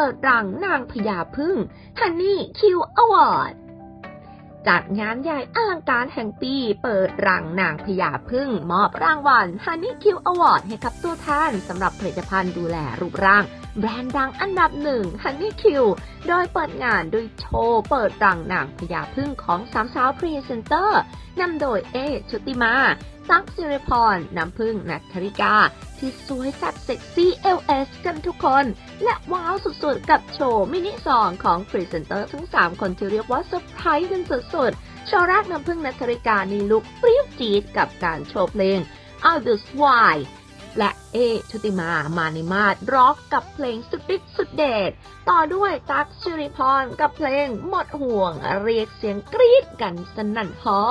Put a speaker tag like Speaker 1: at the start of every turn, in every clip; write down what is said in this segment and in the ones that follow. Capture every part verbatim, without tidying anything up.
Speaker 1: ดรังนางพญาผึ้ง Honey Q Award จัดงานใหญ่อลังการแห่งปีเปิดรังนางพญาผึ้งมอบรางวัล Honey Q Award ให้กับตัวแทนสำหรับผลิตภัณฑ์ดูแลรูปร่างแบรนด์ดังอันดับหนึ่ง Honey Q โดยเปิดงานด้วยโชว์เปิดรังนางพญาผึ้งของสามสาวพรีเซนเตอร์นำโดยเอชุติมาตั๊กสิริพรน้ำผึ้งณัฐริกาที่สวยแซ่บเซ็กซี่ แอล เอส กันทุกคนและว้าวสุดๆกับโชว์มินิซองของพรีเซนเตอร์ทั้งสามคนที่เรียกว่าเซอร์ไพรส์กันสุดๆโชว์แรกน้ำผึ้งณัฐริกาในลุคเปรี้ยวจี๊ดกับการโชว์เพลง All This Why และเอชุติมามาในมาดร็อกกับเพลงสุดฤทธิ์สุดเดชต่อด้วยตั๊กสิริพรกับเพลงหมดห่วงเรียกเสียงกรี๊ดกันสนั่นฮอ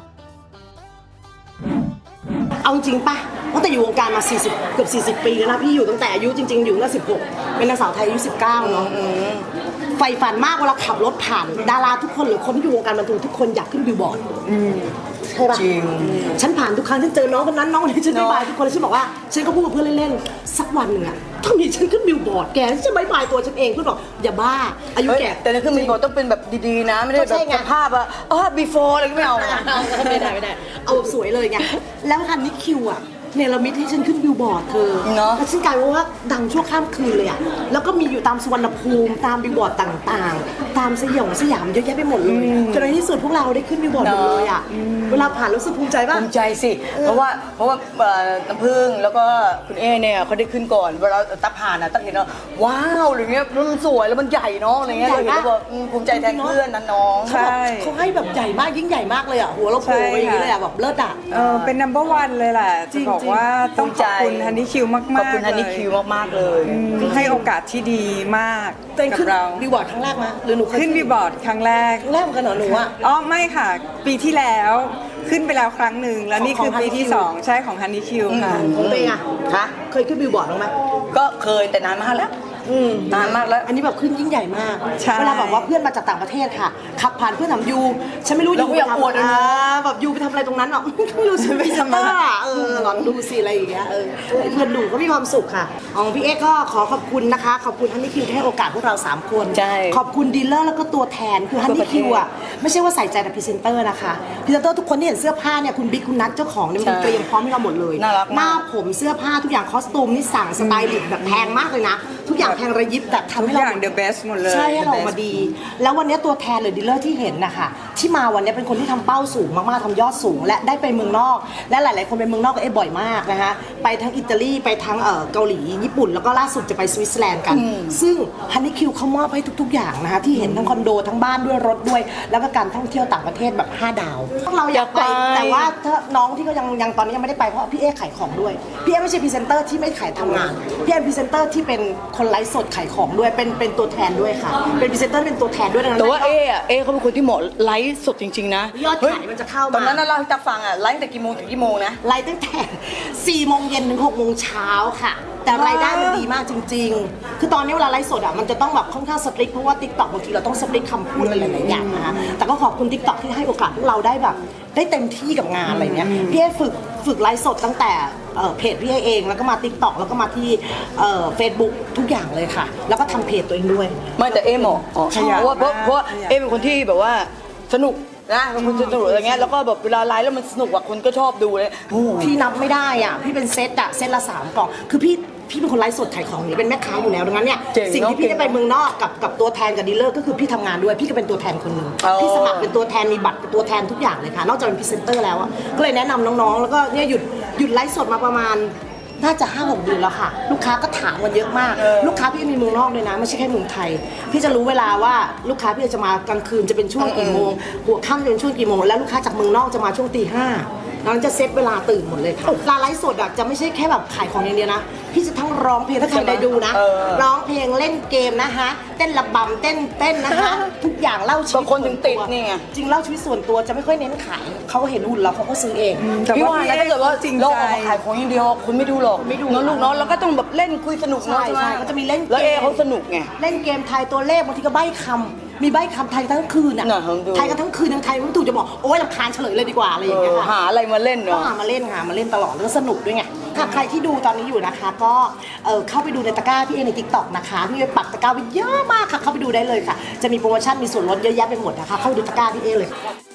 Speaker 2: เอาจริงปะตั้งแต่อยู่วงการมาสี่สิบเกือบสี่สิบปีแล้วนะพี่อยู่ตั้งแต่อายุจริงๆอยู่ตั้งแต่สิบหกเป็นนางสาวไทยอายุสิบเก้าเนาะไฟฝันมากเวลาขับรถผ่านดาราทุกคนหรือคนที่อยู่วงการบันเทิงทุกคนอยากขึ้นบิลบอร์ดใช่ปะจริงฉันผ่านทุกครั้งที่เจอน้องคนนั้นน้องคนนี้ฉันไม่บายทุกคนเลยฉันบอกว่าฉันก็พูดกับเพื่อนเล่นๆสักวันหนึ่งอะต้องมีฉันขึ้นบิลบอร์ดแกฉันจะไม่บายตัวฉันเองเพื่อนบอกอย่าบ้าอายุแก่
Speaker 3: แต่ในขึ้นบิลบอร์ดต้องเป็นแบบดีๆนะไม่ได้แบบสภาพอะเออ before อะไรก็ไม่เอา
Speaker 2: ไม่ได้ไม่ได้เอาสวยเลยไงแล้วคันนี้คิวอะเนรมิตให้ฉันขึ้นบิลบอร์ดเธอแล้วฉันกลายว่าดังชั่วข้ามคืนเลยอะแล้วก็มีอยู่ตามสุวรรณภูมิตามบิลบอร์ดต่างๆตามสยองสยามเยอะแยะไปหมดเลยจนในที่สุดพวกเราได้ขึ้นบิลบอร์ดหมดเลยอะเวลาผ่านรู้สึกภูมิใจป่ะ
Speaker 3: ภูมิใจสิเพราะว่าเพราะว่าน้ำผึ้งแล้วก็คุณเอเนี่ยเขาได้ขึ้นก่อนเวลาตักผ่านอะตักเห็นว่าว้าวอะไรเงี้ยมันสวยแล้วมันใหญ่เนาะอะไรเงี้ยเราเห็นแล้วแบบภูมิใจแทนเพื่อนนั้นน้อง
Speaker 2: ใช่เขาให้แบบใหญ่มากยิ่งใหญ่มากเลยอะหัวเราโผล่อย่างนี้เลยอะแบบเลิศอะ
Speaker 4: เออเป็น นัมเบอร์ วันเลยแหละจะบอกว่าต้องขอบคุณฮันนี่คิวมากๆ
Speaker 3: ขอบคุณฮันนี่คิวมากๆเลย
Speaker 4: ให้โอกาสที่ดีมากกับเรา
Speaker 2: บิลบอร์ดครั้งแรกมั้ยหรือหนู
Speaker 4: ขึ้นบิลบอร์ดครั้งแรก
Speaker 2: ครั้งแรกเหมือนกันเหรอหนูอะ
Speaker 4: อ๋อไม่ค่ะปีที่แล้วขึ้นไปแล้วครั้งหนึ่งแล้วนี่คือปีที่สองใช่ของฮันนี่คิวค่ะ
Speaker 2: ของตัวเองอะ
Speaker 3: คะ
Speaker 2: เคยขึ้นบิลบอร์ดบ้างไหม
Speaker 3: ก็เคยแต่นานมากแล้วนานมากแล้ว
Speaker 2: อันนี้แบบขึ้นยิ่งใหญ่มากเวลาแบบว่าเพื่อนมาจากต่างประเทศค่ะขับผ่านเพื่อนถามยูฉันไม่รู้ยูไปทำอะไรแบบยูไปทำอะไรตรงนั้นหรอกไม่รู้ฉันไปทำอะไรเออลองดูสิอะไรอย่างเงี้ยเออเพื่อนดูก็มีความสุขค่ะอ๋อพี่เอ๊ก็ขอขอบคุณนะคะขอบคุณฮันนี่คิวที่ให้โอกาสพวกเราสามคนขอบคุณดีลเลอร์แล้วก็ตัวแทนคือฮันนี่คิวอ่ะไม่ใช่ว่าใส่ใจแต่พรีเซนเตอร์นะคะพรีเซนเตอร์ทุกคนที่เห็นเสื้อผ้าเนี่ยคุณบิ๊กคุณนัทเจ้าของเนี่ยมันเตรียมพร้อมให้เราหมดเลยหน้าผมเสื้อผ้าทุกอย่างคอสตูมนี่สั่งสไตลิสต์แบบแพงมากเลยนะทุกอย่างแพงระยิบแต่ทำให้เรา
Speaker 4: เดอะเบสหมดเลย
Speaker 2: ใช่ให้เรามาดีแล้ววันนี้ตัวแทนหรือดีลเลอร์ที่เห็นนะคะที่มาวันนี้เป็นคนที่ทำเป้าสูงมากๆทำยอดสูงและได้ไปเมืองนอกและหลายๆคนไปเมืองนอกก็เอ๊ะบ่อยมากนะคะไปทั้งอิตาลีไปทั้งเกาหลีญี่ปุ่นแล้วก็ล่าสุดจะไปสวิตเซอร์แลนด์กันซึ่งฮันนี่คิวเขามอบให้ทุกๆอย่างนะคะที่เห็นทั้งคอนโดทั้งบ้านด้วยรถด้วยแล้วก็การท่องเที่ยวต่างประเทศแบบห้าดาวพวกเราอยากไปแต่ว่าถ้าน้องที่เขายังยังตอนนี้ยังไม่ได้ไปเพราะพี่เอ๊ขายของด้วยพี่เอ๊ไม่ใช่พรีเซนเตอร์ที่ไม่ขายทำงานพี่เอ๊พรีเซนเตอร์ที่เป็นคนไลฟ์สดขายของด้วยเป็นเป็นตัวแทนด้วยค่ะเป็นพรีเซนเตอร์เป็นตัวแทนด้วยนะ
Speaker 3: แต่ว่าเออะเอเขาเป็นคนที่เหมาะไลฟ์สดจริงๆนะ
Speaker 2: ยอดขายมันจะเข้ามา
Speaker 3: ตอนนั้นเราจะฟังอะไลฟ์แต่กี่โมงถึงกี่โมงนะ
Speaker 2: ไลฟ์ตั้งแต่สี่โมงเย็นถึงหกโมงเช้าค่ะแต่รายได้มันดีมากจริงๆคือตอนนี้เวลาไลฟ์สดอะมันจะต้องแบบค่อนข้างสตริกเพราะว่า ติ๊กต็อก บางทีเราต้องสตริกคำพูดอะไรหลายๆอย่างนะคะแต่ก็ขอบคุณ ติ๊กต็อก ที่ให้โอกาสพวกเราได้แบบได้เต็มที่กับงานอะไรเงี้ยพี่เอฝึกฝึกไลฟ์สดตั้งแต่เพจพี่เองแล้วก็มา ติ๊กต็อก แล้วก็มาที่เฟซบุ๊กทุกอย่างเลยค่ะแล้วก็ทำเพจตัวเองด้วย
Speaker 3: ไม่แต่เอเหมาะเพราะว่าเพราะว่าเอเป็นคนที่แบบว่าสนุกนะเป็นคนสนุกอะไรเงี้ยแล้วก็แบบเวลาไลฟ์แล้วมันสนุกอ่ะคนก็ชอบดูเลย
Speaker 2: พี่นับไม่ได้อ่ะพี่เป็นเซตอ่ะเซตละสามกล่องคือพี่พี่เป็นคนไลฟ์สดขายของนี่เป็นแม่ค้าอยู่แล้วดังนั้นเนี่ยสิ่งที่พี่ได้ไปเมืองนอกกับกับตัวแทนกับดีลเลอร์ก็คือพี่ทำงานด้วยพี่ก็เป็นตัวแทนคนหนึ่งพี่สมัครเป็นตัวแทนมีบัตรเป็นตัวแทนทุกอย่างเลยค่ะนอกจากเป็นพรีเซนเตอร์แล้วอ่ะก็เลยแนะนำน้องๆแล้วก็เนี่ยหยุดหยุดไลฟ์สดมาประมาณน่าจะห้าหกเดือนแล้วค่ะลูกค้าก็ถามกันเยอะมากลูกค้าพี่มีเมืองนอกเลยนะไม่ใช่แค่เมืองไทยพี่จะรู้เวลาว่าลูกค้าพี่จะมากลางคืนจะเป็นช่วงกี่โมงหัวค่ำจะเป็นช่วงกี่โมงแล้วลูกค้าจากเมืองนอกจะมาช่วงตีห้าน้องจะเซตเวลาตื่นหมดเลยค่ะการไลฟ์สดอะจะไม่ใช่แค่แบบขายของอย่างเดียวนะพี่จะทั้งร้องเพลงถ้าใครได้ดูนะร้องเพลงเล่นเกมนะคะเต้นระบำเต้นเต้นนะคะทุกอย่างเล่าชีวิต
Speaker 3: คนถึงติดนี่ไง
Speaker 2: จริงเล่าชีวิตส่วนตัวจะไม่ค่อยเน้นขายเขาเห็นหุ่นเราเขาก็ซื้อเอง
Speaker 3: พี่ว่าถ้าเกิดว่าจริงเราออกมาขายของอย่างเดียวคุณไม่ดูหรอกไม่ดูน้องลูกน้องแล้วก็ต้องแบบเล่นคุยสนุกเนาะใช่ไหม
Speaker 2: ก็จะมีเล่น
Speaker 3: แล้วเอเขาสนุกไง
Speaker 2: เล่นเกมทายตัวเลขบางทีก็ใบ้คำมีใบ้คำไทยทั้งคืนอ่ะไทยกันทั้งคืนทั้งไทยไม่ถูกจะบอกโอ้ยรำคาญเฉลยเลยดีกว่าอะไรอย่างเงี้ยค่ะ
Speaker 3: หาอะไรมาเล่นเนาะ
Speaker 2: ก็หามาเล่นหามาเล่นตลอดแล้วก็สนุกด้วยไงค่ะใครที่ดูตอนนี้อยู่นะคะ ก็เออเข้าไปดูในตะกร้าพี่เอใน ติ๊กต็อก นะคะพี่เอปักตะกร้าไว้เยอะมากค่ะเข้าไปดูได้เลยค่ะจะมีโปรโมชั่นมีส่วนลดเยอะแยะไปหมดนะคะเข้าไปดูตะกร้าพี่เอเลย